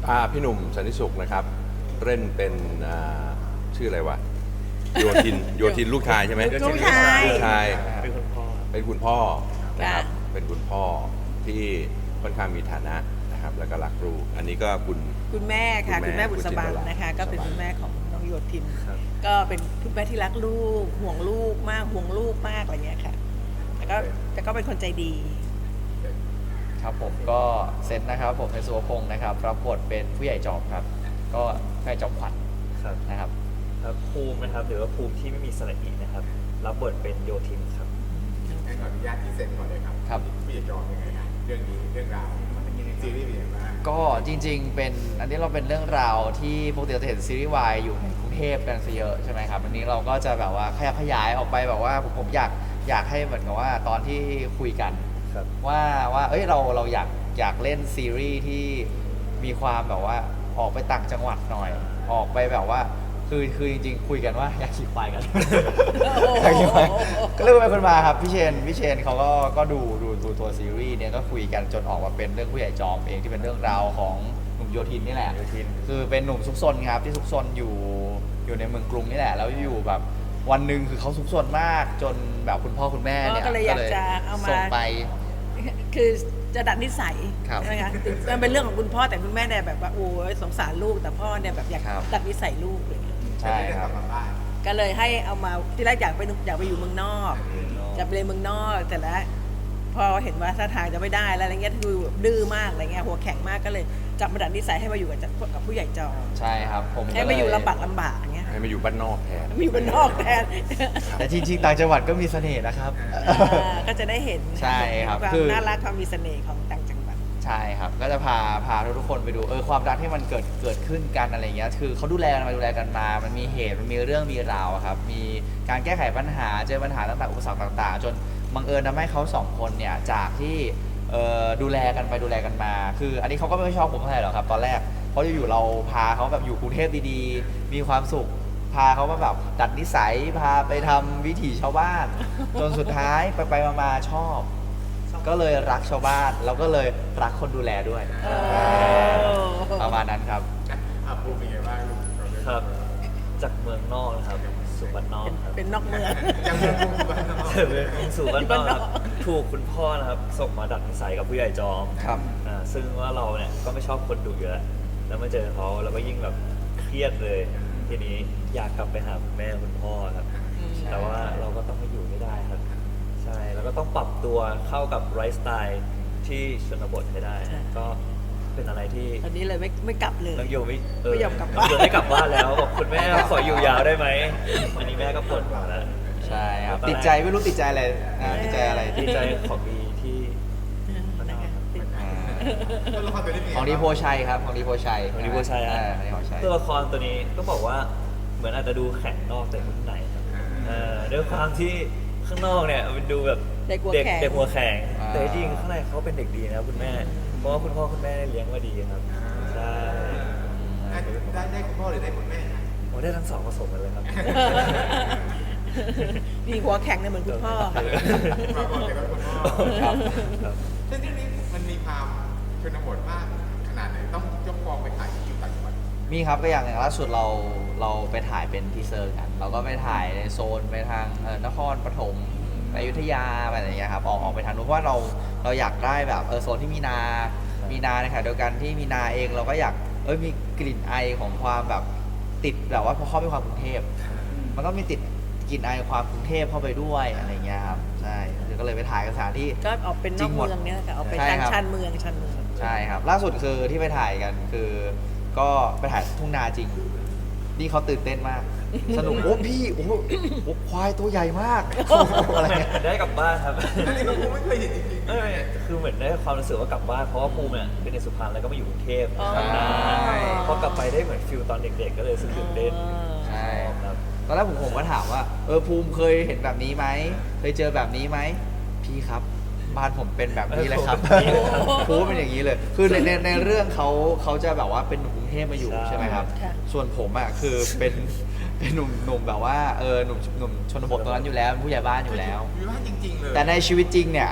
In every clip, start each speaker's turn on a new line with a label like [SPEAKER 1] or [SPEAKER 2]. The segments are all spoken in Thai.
[SPEAKER 1] พี่หนุ่มสันติสุขนะครับเล่นเป็นชื่ออะไรวะโยทินลูกชายใช่ไหม
[SPEAKER 2] ลูกชาย
[SPEAKER 1] ลูกชาย
[SPEAKER 3] เป็นคุณพ่อ
[SPEAKER 1] เป็นคุณพ่อนะครับ
[SPEAKER 2] ค่ะ
[SPEAKER 1] เป็นคุณพ่อที่ค่อนข้างมีฐานะนะครับแล้วก็รักลูกอันนี้ก็คุณ
[SPEAKER 2] คุณแม่ค่ะ
[SPEAKER 1] คุ
[SPEAKER 2] คุณ ณ
[SPEAKER 1] แม่
[SPEAKER 2] แม่บุษบันนะคะ
[SPEAKER 1] บุษบัน
[SPEAKER 2] ก็เป็นคุณแม่ของน้องโยธิน
[SPEAKER 3] ครับ
[SPEAKER 2] ก็เป็นคุณแม่ที่รักลูกห่วงลูกมากห่วงลูกมากอะไรเงี้ยค่ะแต่ก็เป็นคนใจดี
[SPEAKER 4] ครับผมก็เซนนะครับผมในสุวพงศ์นะครับรับบทเป็นผู้ใหญ่จอมครับ ก็ผู้ใหญ่จอมขวัญ
[SPEAKER 3] ครับ
[SPEAKER 4] นะครับ
[SPEAKER 3] ครับภูมินะครับหรือว่าภูมิที่ไม่มีสระอีนะครับรับบทเป็นโยทินครับ
[SPEAKER 5] ให้ขออนุญาตที่เซ็นก่อนเลยครับ
[SPEAKER 4] ครับ
[SPEAKER 5] พี่จะจองยังไงครับเรื่องนี้เรื่องราวมันเป็นยังไงซีรีส์เป็นยังไงบ้าง
[SPEAKER 4] ก็จริงๆเป็นอันนี้เราเป็นเรื่องราวที่ปกติเราจะเห็นซีรีส์วายอยู่ในกรุงเทพกันซะเยอะใช่ไหมครับอันนี้เราก็จะแบบว่าขยายออกไปแบบว่าผมอยากให้เหมือนกับว่าตอนที่คุยกัน
[SPEAKER 3] ครับ
[SPEAKER 4] ว่าเอ้ยเราอยากเล่นซีรีส์ที่มีความแบบว่าออกไปต่างจังหวัดหน่อย ออกไปแบบว่าคือจริงๆคุยกันว่าอยากขี่ควายกัน อยากขี่ควายก็เลยเป็นคนมาครับพี่เชนเขาก็ดูตัวซีรีส์เนี่ยก็คุยกันจนออกมาเป็นเรื่องผู้ใหญ่จอมเองที่เป็นเรื่องราวของหนุ่มโยธินนี่แหละ
[SPEAKER 3] โยธิน
[SPEAKER 4] คือเป็นหนุ่มซุกซนครับที่ซุกซนอยู่ในเมืองกรุงนี่แหละแล้วอยู่แบบวันหนึ่งคือเขาซุกซนมากจนแบบคุณพ่อคุณแม่เนี่ย
[SPEAKER 2] ก็เลยอยากจะเอามา
[SPEAKER 4] ส่งไป
[SPEAKER 2] คือจะดัดนิสัย
[SPEAKER 4] ครับ
[SPEAKER 2] ใช่ไหมคะมันเป็นเรื่องของคุณพ่อแต่คุณแม่เนี่ยแบบว่าโอ้ยสงสารลูกแต่พ่อเนี่ยแบบอยาก
[SPEAKER 4] ครับ
[SPEAKER 2] ดัดนิสัยลูกอะไรเลย
[SPEAKER 4] ใช่ครับ
[SPEAKER 5] กลับมาบ้าน
[SPEAKER 2] ก็เลยให้เอามาที่แรกอยากไปอยู่เมืองนอกจะไปเรียนเมืองนอกแต่แล้วพอเห็นว่าท่าทางจะไม่ได้แล้วอะไรเงี้ยดูแบบดื้อมากอะไรเงี้ยหัวแข็งมากก็เลยจับมาดัดนิสัยให้มาอยู่กับผู้ใหญ่จอ
[SPEAKER 4] ใช่ครับผม
[SPEAKER 2] ให้มาอยู่ลำบากอย่างเงี้ย
[SPEAKER 1] ให้มาอยู่บ้านนอกแทน
[SPEAKER 2] มาอยู่บ้านนอกแทน
[SPEAKER 4] แต่จริงๆต่างจังหวัดก็มีเสน่ห์นะครับ
[SPEAKER 2] ก็จะได้เห็น
[SPEAKER 4] ใช่ครับ
[SPEAKER 2] ความ
[SPEAKER 4] คือ
[SPEAKER 2] น่ารักความมีเสน่ห์ของต่างจังหวัด
[SPEAKER 4] ใช่ครับก็จะพาทุกคนไปดูความรักที่มันเกิดขึ้นกันอะไรเงี้ยคือเขาดูแลกันมามันมีเหตุมันมีเรื่องมีราวอะครับมีการแก้ไขปัญหาเจอปัญหาต่างๆอุปสรรคต่างๆ จนบังเอิญทำให้เขาสองคนเนี่ยจากที่ดูแลกันไปดูแลกันมา คืออันนี้เขาก็ไม่ชอบผมเท่าไหร่หรอกครับตอนแรกเพราะอยู่ๆเราพาเขาแบบอยู่กรุงเทพดีๆมีความสุขพาเขามาแบบดัดนิสัยพาไปทำวิถีชาวบ้าน จนสุดท้ายไปมาชอบ ก็เลยรักชาวบ้านแล้วก็เลยรักคนดูแลด้วยประมาณนั้นครับ
[SPEAKER 5] ภูมิเป็นยังไงบ้างลูกเราเอง
[SPEAKER 3] ครับจากเมืองนอกนะครับสู่บ้านนอกครับ
[SPEAKER 2] เป็นนอกเมือง
[SPEAKER 5] ยังเป็นภูมิบ้านนอก
[SPEAKER 3] สู่บ้านนอกครับถูกคุณพ่อนะครับส่งมาดัดนิสัยกับผู้ใหญ่จอม
[SPEAKER 4] ครับ
[SPEAKER 3] ซึ่งว่าเราเนี่ยก็ไม่ชอบคนดุอยู่แล้วแล้วมาเจอเขาเราก็ยิ่งแบบเครียดเลยทีนี้อยากกลับไปหาคุณแม่คุณพ่อครับ แต่ว่าเราก็ต้องไม่อยู่ไม่ได้ครับใช่แล้วก็ต้องปรับตัวเข้ากับไลฟ์สไตล์ที่ชนบทให้ได้
[SPEAKER 2] ใช่
[SPEAKER 3] ก็เป็นอะไรที่
[SPEAKER 2] ตอนนี้เลยไม่กลับเลย
[SPEAKER 3] น้องโยไม่
[SPEAKER 2] ไม่ยอมกลับ
[SPEAKER 3] น้
[SPEAKER 2] บ้าน
[SPEAKER 3] องโยไม่กลับบ้านแล้วบอกคุณแม่ขออยู่ยาวได้ไหมอันนี้แม่ก็ปวดหัวแล้ว
[SPEAKER 4] ใช่ครับติดใจไม่รู้ติดใจอะไรติดใจอะไร
[SPEAKER 3] ดีใจของดีที่บ้านนอกครับ
[SPEAKER 5] ตัวละครตัวนี้เป็นยังไง
[SPEAKER 4] ของดีโพชัยครับของดีโพชัย
[SPEAKER 3] ของดีโพชัย
[SPEAKER 4] ของดีโพชัย
[SPEAKER 3] ตัวละครตัวนี้ต้องบอกว่าเหมือนอาจจะดูแข็งนอกแต่ข้างในครับด้วยความที่ข้างนอกเนี่ยมันดูแบบ
[SPEAKER 2] เด็กหัวแข็ง
[SPEAKER 3] เด็กหัวแข็งแต่จริงๆข้างในเขาเป็นเด็กดีนะครับคุณแม่เพราะว่าคุณพ่อคุณแม่เลี้ยงมาดีครับใช่
[SPEAKER 5] ได้คุณพ่อหรือได้คุณแม่ครับ
[SPEAKER 3] โอ้ได้ทั้งสองผสมกันเลยครับ
[SPEAKER 2] มีหัวแข็งเนี่ยเหมือนคุณพ่อค่ะ
[SPEAKER 5] มาก่อนเลยว่าคุณพ่อ
[SPEAKER 4] ครับ
[SPEAKER 3] ครับ
[SPEAKER 5] ซึ่งที่นี้มันมีความชนบทมากขนาดไหนต้องยกกองไปถ่ายที่อยู่ต่างจังหวัด
[SPEAKER 4] มีครับก็อย่างล่าสุดเราไปถ่ายเป็นทีเซอร์กัน เราก็ไปถ่ายในโซนไปทางนครปฐมไปอยุธยาอะไรอย่างเงี้ยครับออกไปทางนู้นเพราะว่าเราอยากได้แบบโซนที่มีนาในขณะเดียวกันที่มีนาเองเราก็อยากมีกลิ่นไอของความแบบติดแบบว่าพอเข้าไปความกรุงเทพมันก็มีติดกลิ่นไอความกรุงเทพเข้าไปด้วยอะไรเงี้ยครับใช่ก็เลยไปถ่ายกันสถานที่
[SPEAKER 2] ก็ออกเป็นนอกเมืองเนี่ยค่ะออกเป็น
[SPEAKER 4] ใช่
[SPEAKER 2] ทาง
[SPEAKER 4] ครับ
[SPEAKER 2] ชานเมือง
[SPEAKER 4] ใช่ครับล่าสุดคือที่ไปถ่ายกันคือก็ไปถ่ายทุ่งนาจริงนี่เขาตื่นเต้นมาก สนุกโอ้พี่โอ้ควายตัวใหญ่มากอะไรเงี้ย
[SPEAKER 3] ได้กลับบ้านครับ
[SPEAKER 5] อันนี้ผมไม่เคยเห็นจริง
[SPEAKER 3] ไม่คือเหมือนได้ความรู้สึกว่ากลับบ้านเพราะว่าภูมิเนี่ยเป็นในสุพรรณแล้วก็มาอยู่กรุงเทพ
[SPEAKER 2] อ๋อ
[SPEAKER 3] ทำงานพอกลับไปได้เหมือนฟิลตอนเด็กๆ ก็เลยรู้สึกตื่นเต้น
[SPEAKER 4] ใช่
[SPEAKER 3] ครับ
[SPEAKER 4] ตอนแรกผมก็ถามว่าภูมิเคยเห็นแบบนี้ไหมเคยเจอแบบนี้ไหมพี่ครับบ้านผมเป็นแบบนี้เลยครับ ภูมิเป็นอย่างนี้เลย คือในเรื่องเขาจะแบบว่าเป็นหนุ่มกรุงเทพมาอยู่ใช่ไหมครับ
[SPEAKER 2] ค่ะ
[SPEAKER 4] ส่วนผมอ่ะคือเป็นหนุ่มแบบว่าหนุ่มชนบทตรงนั้นอยู่แล้วเป็นผู้ใหญ่บ้านอยู่แล้ว
[SPEAKER 5] มีบ้านจริงๆเลย
[SPEAKER 4] แต่ในชีวิตจริงเนี่ย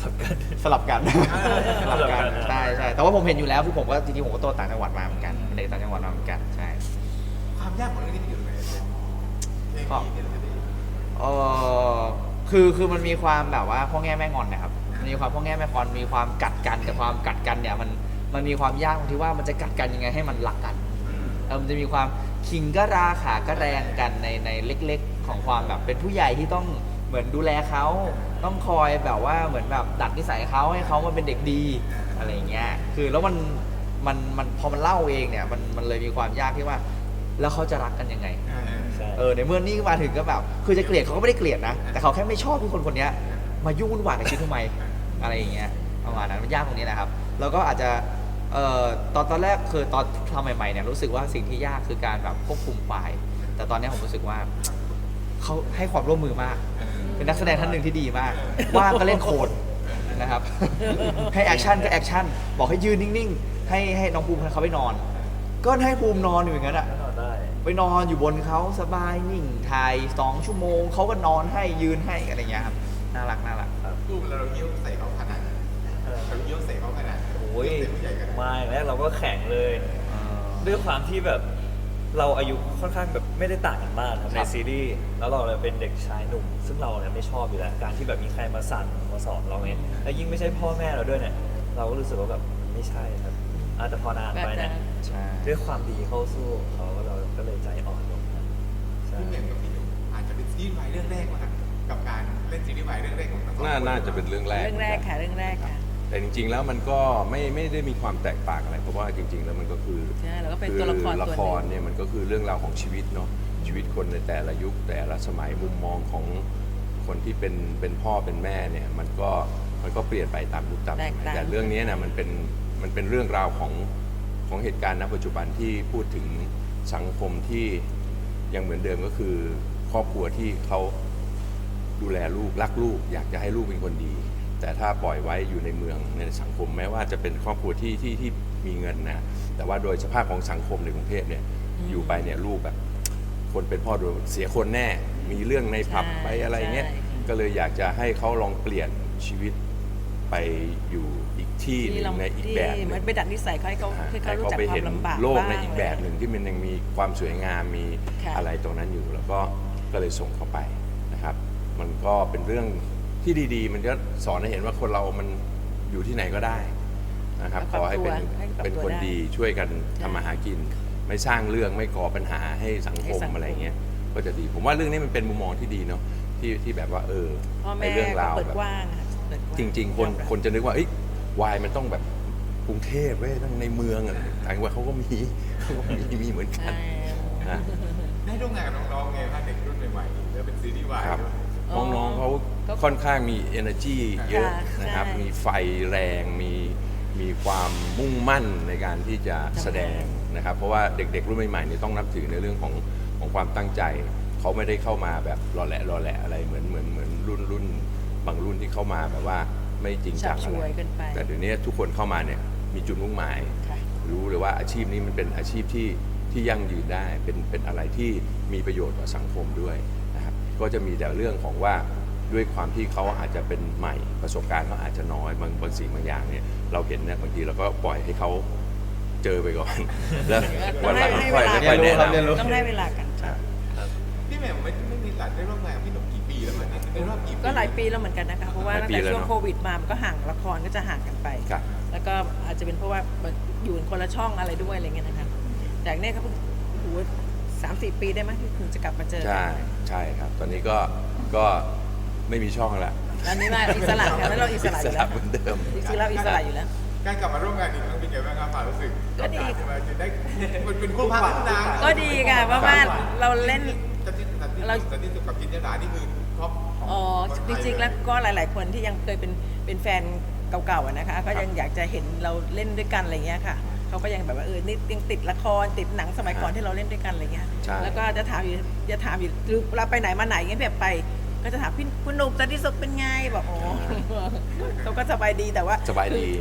[SPEAKER 3] ลับกัน
[SPEAKER 4] สลับกัน
[SPEAKER 3] สลับกัน
[SPEAKER 4] ใช่ใช่แต่ว่าผมเห็นอยู่แล้วคือผมก็จริงๆผมก็โตต่างจังหวัดมาเหมือนกันเป็นเด็กต่างจังหวัดมาเหมือนกันใช่
[SPEAKER 5] ความยากของเรื่องนี้มันอยู่ตรงไหนเพลงนี้เนี่ยเราจะได้
[SPEAKER 4] เออคือมันมีความแบบว่าพ่อแง่แม่งอนนะครับมันมีความพ่อแง่แม่งอนมีความกัดกันแต่ความกัดกันเนี่ยมันมีความยากตรงที่ว่ามันจะกัดกันยังไงให้มันรักกันมันจะมีความคิงก็ราขาก็แรงกันในเล็กๆของความแบบเป็นผู้ใหญ่ที่ต้องเหมือนดูแลเขาต้องคอยแบบว่าเหมือนแบบดัดนิสัยเขาให้เขามาเป็นเด็กดีอะไรอย่างเงี้ยคือแล้วมันพอมันเล่าเองเนี่ยมันเลยมีความยากที่ว่าแล้วเขาจะรักกันยังไง
[SPEAKER 3] ใช่
[SPEAKER 4] ในเมื่อนี่มาถึงก็แบบคือจะเกลียดเขาก็ไม่ได้เกลียดนะแต่เขาแค่ไม่ชอบที่คนคนนี้มายุ่งวุ่นวายกับชีวิตทำไมอะไรอย่างเงี้ยประมาณนั้นมันยากตรงนี้นะครับแล้วก็อาจจะตอนแรกคือตอนทำใหม่ๆเนี่ยรู้สึกว่าสิ่งที่ยากคือการแบบควบคุมไฟล์แต่ตอนนี้ผมรู้สึกว่าเขาให้ความร่วมมือมากเป็นนักแสดงท่านหนึ่งที่ดีมากว่างก็เล่นโคดนะครับ ให้แอคชั่นก็แอคชั่นบอกให้ยืนนิ่งๆให้น้องภูมิเขาไปนอน ก็ให้ภูมินอนอยู่อย่างนั้นอะ
[SPEAKER 3] ก็นอนได้
[SPEAKER 4] ไปนอนอยู่บนเขาสบายนิ่งถ่าย2 ชั่วโมงเขาก็นอนให้ยืนให้อะไรเงี้ยครับน่ารักครับ
[SPEAKER 5] รูปเราเยี่ยวใส่เขาขนาดนั้นเราเยี่ยวใส่เขาขนาดนั้น
[SPEAKER 3] โอ้ย
[SPEAKER 5] เป็นผู้ใหญ่กัน
[SPEAKER 3] มาอย่างแรกเราก็แข็งเลย ด้วยความที่แบบเราอายุค่อนข้างแบบไม่ได้ต่างกันมากครับในซีรีส์แล้วเราเนี่ยเป็นเด็กชายหนุ่ม ซึ่งเราเนี่ยไม่ชอบอยู่แล้วการที่แบบมีใครมาสั่งมาสอนเราเนี่ยแล้วยิ่งไม่ใช่พ่อแม่เราด้วยเนี่ยเราก็รู้สึกว่าแบบไม่ใช่ครับแต่พอนานไปเนี่ย
[SPEAKER 4] ใช่
[SPEAKER 3] ด้วยความดีเข้าสู้เขาเราก็เลยใจอ่อนลงครับใช่
[SPEAKER 5] พี่เหม่งกับพี่หนุ่มอาจจะเป็นซีรีส์วายเรื่องแรกนะครับกับการเล่นซีรีส์วายเรื่องแรกของทั้งสองคน
[SPEAKER 1] น่าจะเป็นเรื่องแรก
[SPEAKER 2] เรื่องแรกค่ะเรื่องแรกค่ะ
[SPEAKER 1] แต่จริงๆแล้วมันก็ไม่ได้มีความแตกต่างอะไรเพราะว่าจริง ๆ แล้วมันก็คือ
[SPEAKER 2] ใช่แล้วก็เป็นตัวละคร
[SPEAKER 1] ละ
[SPEAKER 2] ตัวห
[SPEAKER 1] ค
[SPEAKER 2] นึ่
[SPEAKER 1] รง เนี่ยมันก็คือเรื่องราวของชีวิตเนาะชีวิตคนในแต่ละยุคแต่ละสมัยมุมมองของคนที่เป็นพ่อเป็นแม่เนี่ยมันก็เปลี่ยนไปตามยุคตามสมัยแต่เรื่องนี้นะมันเป็นเรื่องราวของเหตุการณ์ณปัจจุบันที่พูดถึงสังคมที่ยังเหมือนเดิมก็คือครอบครัวที่เขาดูแลลูกรักลูกอยากจะให้ลูกเป็นคนดี แต่ถ้าปล่อยไว้อยู่ในเมืองในสังคมแม้ว่าจะเป็นครอบครัวที่มีเงินนะแต่ว่าโดยสภาพของสังคมในกรุงเทพเนี่ยอยู่ไปเนี่ยลูกแบบคนเป็นพ่อโดนเสียคนแน่มีเรื่องในผับไปอะไรเงี้ยก็เลยอยากจะให้เขาลองเปลี่ยนชีวิตไปอยู่อีกที่หนึ่งในอีกแบบห
[SPEAKER 2] เหมื
[SPEAKER 1] นึ่
[SPEAKER 2] อน
[SPEAKER 1] ง
[SPEAKER 2] ไปดัดนิสัยเขาให้เขารู้จัก
[SPEAKER 1] ไป
[SPEAKER 2] ควา
[SPEAKER 1] เห็
[SPEAKER 2] ม
[SPEAKER 1] น
[SPEAKER 2] ลำบาก
[SPEAKER 1] โลก
[SPEAKER 2] บ้าง
[SPEAKER 1] ในอีกแบบหนึ่งที่มันยังมีความสวยงามมี
[SPEAKER 2] ค่ะ
[SPEAKER 1] อะไรตรงนั้นอยู่แล้วก็เลยส่งเข้าไปนะครับ มันก็เป็นเรื่องที่ดีๆ มันก็สอนให้เห็นว่าคนเรามันอยู่ที่ไหนก็ได้นะครับขอให้เป็นคนดีช่วยกันทำมาหากิน ไม่สร้างเรื่องไม่ก่อปัญหาให้สังคมอะไรเงี้ยก็จะดีผมว่าเรื่องนี้มันเป็นมุมมองที่ดีเนาะที่แบบว่า
[SPEAKER 2] พ่อแม่
[SPEAKER 1] ไอ้เรื่องราว
[SPEAKER 2] เปิด
[SPEAKER 1] แบบ
[SPEAKER 2] กว้างค่ะเปิดกว้าง
[SPEAKER 1] จริงๆ คนจะนึกว่าเอ้ยวายมันต้องแบบกรุงเทพเว้ยต้องในเมืองอะไรต่างจังหวัดเขาก็มีเหมือนกัน
[SPEAKER 2] ใช่
[SPEAKER 1] นะ
[SPEAKER 5] ได้ร่วมงานกับน้องๆไงถ้าเด็กรุ่นใหม่ๆแล้วเป็นซีรีส์วาย
[SPEAKER 1] ครับ
[SPEAKER 5] ด้วย
[SPEAKER 1] น้องๆเขาค่อนข้างมี energy เยอะนะครับ
[SPEAKER 2] ใช่
[SPEAKER 1] มีไฟแรงมีความมุ่งมั่นในการที่จะแสดงนะครับ เพราะว่าเด็กๆรุ่นใหม่ๆเนี่ยต้องนับถือในเรื่องของความตั้งใจเขาไม่ได้เข้ามาแบบรอแหละอะไรเหมือนรุ่นบางรุ่นที่เข้ามาแบบว่าไม่จริงจัง
[SPEAKER 2] ฉับฉ
[SPEAKER 1] อะไร
[SPEAKER 2] วยเกินไป
[SPEAKER 1] แต่เดี๋ยวนี้ทุกคนเข้ามาเนี่ยมีจุดมุ่งหมาย
[SPEAKER 2] ค่ะ
[SPEAKER 1] รู้เลยว่าอาชีพนี้มันเป็นอาชีพที่ยั่งยืนได้เป็นอะไรที่มีประโยชน์ต่อสังคมด้วยนะครับก็จะมีแต่เรื่องของว่าด้วยความที่เขาอาจจะเป็นใหม่ประสบการณ์เขาอาจจะน้อยบางสิ่งบางอย่างเนี่ยเราเห็นเนี่ยบางทีเราก็ปล่อยให้เขาเจอไปก่อน แล้ววันหลังค่อยแนะนำ
[SPEAKER 2] ต้องให้เวลากัน
[SPEAKER 1] ครับ
[SPEAKER 5] พี่แหม่มไม่มีหลานได้ร่วมงานกับพี่หนุ่มกี่ปีแล้วมันในรอบกี่ปี
[SPEAKER 2] ก็หลายปีแล้วเหมือนกันนะคะเพราะว่า
[SPEAKER 1] หลาย
[SPEAKER 2] ตั้ง
[SPEAKER 1] ปี
[SPEAKER 2] แต่
[SPEAKER 1] แล้ว
[SPEAKER 2] ช่วง
[SPEAKER 1] เนอะ
[SPEAKER 2] โควิดมามันก็ห่างละครก็จะห่างกันไป
[SPEAKER 1] ครับ
[SPEAKER 2] แล้วก็อาจจะเป็นเพราะว่าอยู่คนละช่องอะไรด้วยอะไรเงี้ยนะคะจากเนี้ยก็เพิ่งโอ้โห3-4 ปีได้ไหมที่คุณจะกลับมาเจอกั
[SPEAKER 1] ใช่ครับ ตอนนี้ก็ไม่มีช่องแล้ว
[SPEAKER 2] อันนี้มาอิสระค่ะแล้วเราอิสระอยู่แล้ว
[SPEAKER 1] เหมือนเดิม
[SPEAKER 2] จริงๆเราอิสระอยู่แล้ว
[SPEAKER 5] การกลับมาร่วมงานอีกครั้งเป็นไงบ้างครับความรู้สึก
[SPEAKER 2] ก็ดี
[SPEAKER 5] จะมาจะได้มันเป็นคู่พระคู่นาง
[SPEAKER 2] ก็ดีค่ะเพราะว่าเราเล่น
[SPEAKER 5] สันติสุขกับจินตลานี่คือท็อปของ
[SPEAKER 2] อ๋อ
[SPEAKER 5] คนไท
[SPEAKER 2] จ
[SPEAKER 5] ย
[SPEAKER 2] ริงๆแล้วก็หลาย ๆ คนที่ยังเคยเป็นแฟนเก่าๆอะนะคะ ก็ยังอยากจะเห็นเราเล่นด้วยกันอะไรเงี้ยค่ะเขาก็ยังแบบว่านี่ยังติดละครติดหนังสมัยก่อนที่เราเล่นด้วยกันอะไรเงี้ย
[SPEAKER 1] ใช่
[SPEAKER 2] แล้วก็จะถามอยู่หรือเราไปไหนมาไหนเงี้ยแบบไป ก็จะถามพี่คุณหนุ่มสันติสุขเป็นไงบอกโอ้ เขาก็สบายดีแต่ว่า
[SPEAKER 1] สบายดี
[SPEAKER 2] คือ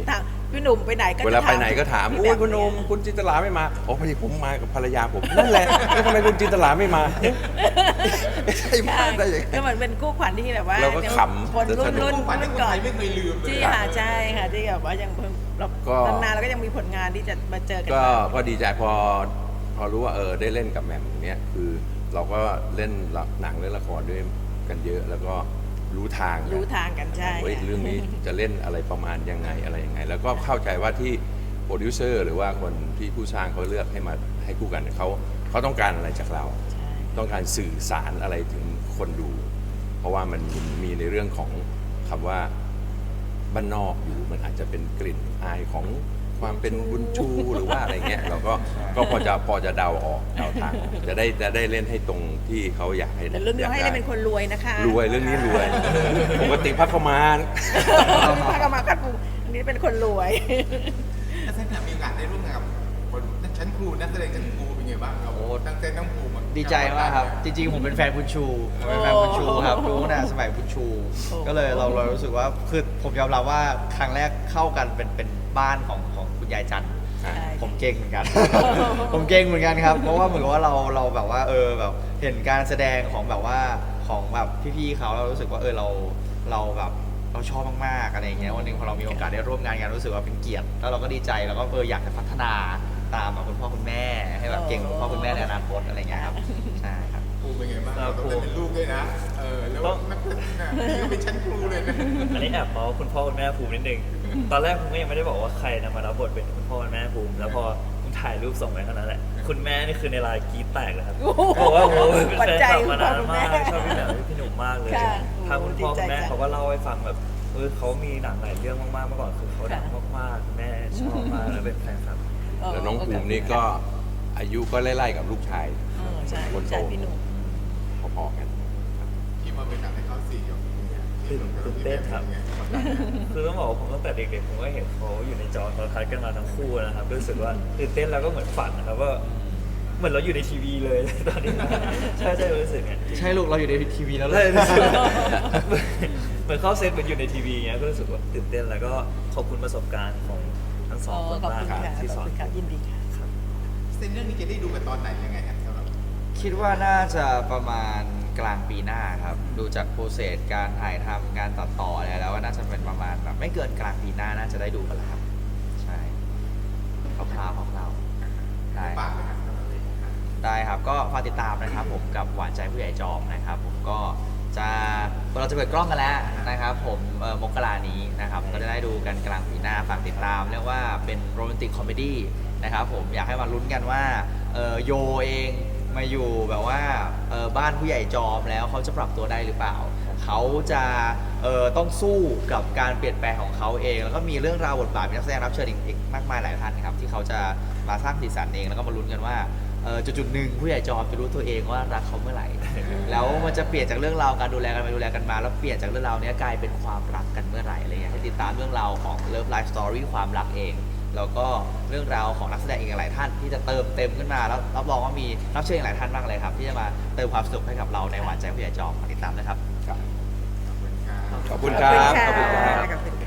[SPEAKER 2] พี่หนุ่มไปไหนก็จะ
[SPEAKER 1] เวลาไปไหนก็ถาม
[SPEAKER 2] พี่
[SPEAKER 1] โอ้
[SPEAKER 2] แบ
[SPEAKER 1] ย
[SPEAKER 2] ม
[SPEAKER 1] คุณโอมคุณจินตลาไม่มาอ๋อพอดีผมมากับภรรยาผมนั่นแหละแล้วทำไมคุณจินตลาไม่มาเอ๊ะใช่มาได้ยังไง
[SPEAKER 2] ก็เหมือนเป็นคู่ขวัญที่แบบว่า
[SPEAKER 1] เราก็ขำ
[SPEAKER 2] คนรุ่น
[SPEAKER 1] สนุก
[SPEAKER 5] ฝันที่
[SPEAKER 2] รุ่น
[SPEAKER 5] คน
[SPEAKER 2] ก่อ
[SPEAKER 5] ไท
[SPEAKER 2] น
[SPEAKER 5] ยไม่เคยลืมเลย
[SPEAKER 2] ที่
[SPEAKER 5] อะ
[SPEAKER 2] ค่ะใช่ค่ะที่แบบว่ายังเรา
[SPEAKER 1] ก็
[SPEAKER 2] นานๆเราก็ยังมีผลงานที่จะมาเจอกัน
[SPEAKER 1] ก็ดีใจพอรู้ว่าได้เล่นกับแหม่มเนี้ยคือเราก็เล่นหนังเล่นละครด้วยกันเยอะ แล้วก็รู้ทาง
[SPEAKER 2] รู้ทางกันใช่
[SPEAKER 1] เฮ้ย
[SPEAKER 2] ค่ะ
[SPEAKER 1] เรื่องนี้จะเล่นอะไรประมาณยังไงอะไรยังไง แล้วก็เข้าใจว่าที่โปรดิวเซอร์หรือว่าคนที่ผู้สร้างเขาเลือกให้มาให้คู่กันเขาต้องการอะไรจากเรา
[SPEAKER 2] ใช่
[SPEAKER 1] ต้องการสื่อสารอะไรถึงคนดู เพราะว่ามันมีในเรื่องของคำว่าบ้านนอกอยู่มันอาจจะเป็นกลิ่นอายของความเป็นบุญชูหรือว่าอะไรเงี้ยเราก็พอจะเดาออกเดาทางออกจะได้เล่นให้ตรงที่เขาอยากให้
[SPEAKER 2] แต่เรื่องนี้ให้ได้เป็นคนรวยนะคะ
[SPEAKER 1] รวยเรื่องนี้รวยปกติพักเข้ามา
[SPEAKER 2] พากมาคัดปูอันนี้เป็นคนรวย
[SPEAKER 5] แล้วท่านมีโอกาสได้ร่วมงานกับคนชั้นครูนักแสดงชั้นครูเป็นไงบ้างครับ
[SPEAKER 4] โอ้
[SPEAKER 5] ตั้งแต่น้องครูมา
[SPEAKER 4] ดีใจมากครับ จริงๆ ผมเป็นแฟนบุญชูผมเป็นแฟนบุญชูครับรู้ตั้งแต่สมัยบุญชู ก็เลยเรารู้สึกว่าคือผมยอมรับว่าครั้งแรกเข้ากันเป็นบ้านของคุณยายจันทร์
[SPEAKER 2] ใช่
[SPEAKER 4] ผมเก่งเหมือนกัน ผมเก่งเหมือนกันครับ เพราะว่าเหมือนกับว่าเราแบบว่าแบบเห็นการแสดงของแบบว่าของแบบพี่ๆเขาเรารู้สึกว่าเราแบบเราชอบมากๆอะไรอย่างเงี้ยวันหนึงพอเรามีโอกาสได้ร่วมงานกันรู้สึกว่าเป็นเกียรติแล้วเราก็ดีใจแล้วก็อยากจะพัฒนาตามแบบคุณพ่อคุณแม่ให้แบบเก่งเหมือนคุณพ่อคุณแม่ในอนาคตอะไรอย่างเงี้ยครับใช่ครับ
[SPEAKER 5] ครูเป็นไงบ้าง
[SPEAKER 3] ครั
[SPEAKER 5] เรา
[SPEAKER 3] บ
[SPEAKER 5] ต้องได้เป็นลูกด้วยนะแล้วนักแสดงนี่ก็เป็นชั้นครูเลยนะ
[SPEAKER 3] อันนี้แอบเมาส์คุณพ่อคุณแม่ภูมินิดนึง ตอนแรกผมก็ยังไม่ได้บอกว่าใครนะมารับบทเป็นคุณพ่อคุณแม่ภูมิ แล้วพอผมถ่ายรูปส่งไปเท่านั้นแหละ คุณแม่นี่คือในไลน์กรี๊ดแตกเลยครับ
[SPEAKER 2] โอ้โห
[SPEAKER 3] บอกว่าโอ้โหเป็น
[SPEAKER 2] ปัจ
[SPEAKER 3] แฟน
[SPEAKER 2] จัย
[SPEAKER 3] คลับมานาน
[SPEAKER 2] คุณพ่อ
[SPEAKER 3] มาก
[SPEAKER 2] คุณแม่
[SPEAKER 3] ชอบพี่แหม่มพี่หนุ่มมากเลย
[SPEAKER 2] ค่ะ
[SPEAKER 3] ทางคุณพ่อคุณแม่
[SPEAKER 2] ดีใจจัง
[SPEAKER 3] เขาก็เล่าให้ฟังแบบเขามีหนังหลายเรื่องมากๆเมื่อก่อนคือเขาดังมากๆคุณแม่ชอบมากแล้วเป็นแฟนคลับ
[SPEAKER 1] แล้วน้องภูมินี่ก็อายุก็ไล่ๆกับลูกชาย
[SPEAKER 2] ใช่
[SPEAKER 1] คนโต
[SPEAKER 2] ใช่พี่หนุ่ม
[SPEAKER 1] พอๆกัน
[SPEAKER 5] ที่มาเป็นหนังให้เขาสี่กับคุณเนี่ย
[SPEAKER 3] ตื่นเต้นครับ คือต้องบอกว่าผมตั้งแต่เด็กๆผมก็เห็นเขาอยู่ในจอโทรทัศน์กันมาทั้งคู่นะครับรู้สึกว่าตื่นเต้นแล้วก็เหมือนฝันนะครับว่าเหมือนเราอยู่ในทีวีเลย ตอนนี้ใช่รู้สึกไง
[SPEAKER 4] ใช่ลูกเราอยู่ในทีวีแล้วเล
[SPEAKER 3] เลย
[SPEAKER 4] ย
[SPEAKER 3] รู้สึกเหมือนเข้าเซตเหมือนอยู่ในทีวีเงี้ยก็รู้สึกว่าตื่นเต้นแล้วก็ขอบคุณประสบการณ์ของทั้งสองคน
[SPEAKER 2] ขอบ
[SPEAKER 3] มาก
[SPEAKER 2] คุณ
[SPEAKER 3] ครับ
[SPEAKER 2] ค่ะ
[SPEAKER 3] ที่
[SPEAKER 2] ข
[SPEAKER 3] ส
[SPEAKER 2] อบ
[SPEAKER 3] อน
[SPEAKER 2] คุณค่ะยินดีค่ะ
[SPEAKER 5] เส้นเรื่องนี้จะได้ดูกันตอนไหนยังไงครับสำหรับ
[SPEAKER 4] คิดว่าน่าจะประมาณกลางปีหน้าครับ ดูจากโปรเซสการถ่ายทำการตัดต่ออะไรแล้วว่าน่าจะเป็นประมาณแบบไม่เกินกลางปีหน้าน่าจะได้ดูกันแล้วครับ ใช่คร่าวๆได้
[SPEAKER 5] ปากเลยครับ
[SPEAKER 4] ได้ครับก็ฝากติดตามนะครับผมกับหวานใจผู้ใหญ่จอมนะครับผมก็เราจะเปิดกล้องกันแล้วนะครับผมมกรานี้นะครับก็จะได้ดูกันกลางปีหน้าฝากติดตามเรียกว่าเป็นโรแมนติกคอมเมดี้นะครับผมอยากให้มาลุ้นกันว่าโยเองมาอยู่แบบว่าบ้านผู้ใหญ่จอมแล้วเขาจะปรับตัวได้หรือเปล่า เขาจะต้องสู้กับการเปลี่ยนแปลงของเขาเอง แล้วก็มีเรื่องราวบทบาทมีนักแสดงรับเชิญอีกมากมายหลายท่านนะครับที่เขาจะมาสร้างสีสันเองแล้วก็มาลุ้นกันว่าจุดหนึ่งผู้ใหญ่จอมจะรู้ตัวเองว่ารักเขาเมื่อไหร่ แล้วมันจะเปลี่ยนจากเรื่องราวการดูแลกันไปดูแลกันมาแล้วเปลี่ยนจากเรื่องราวนี้กลายเป็นความรักกันเมื่อไหร่อะไรเงี้ยให้ติดตามเรื่องราวของ Love Life Story ความรักเอง แล้วก็เรื่องราวของนักแสดงอีกหลายท่านที่จะเติมเต็มขึ้นมาแล้วรับรองว่ามีรับเชิญอีกหลายท่านมากเลยครับที่จะมาเติมความสนุกให้กับเราในหวานใจผู้ใหญ่จอมฝากติดตามนะครับ
[SPEAKER 1] ขอบคุณครับ
[SPEAKER 2] ขอบคุณค่ะขอบคุณ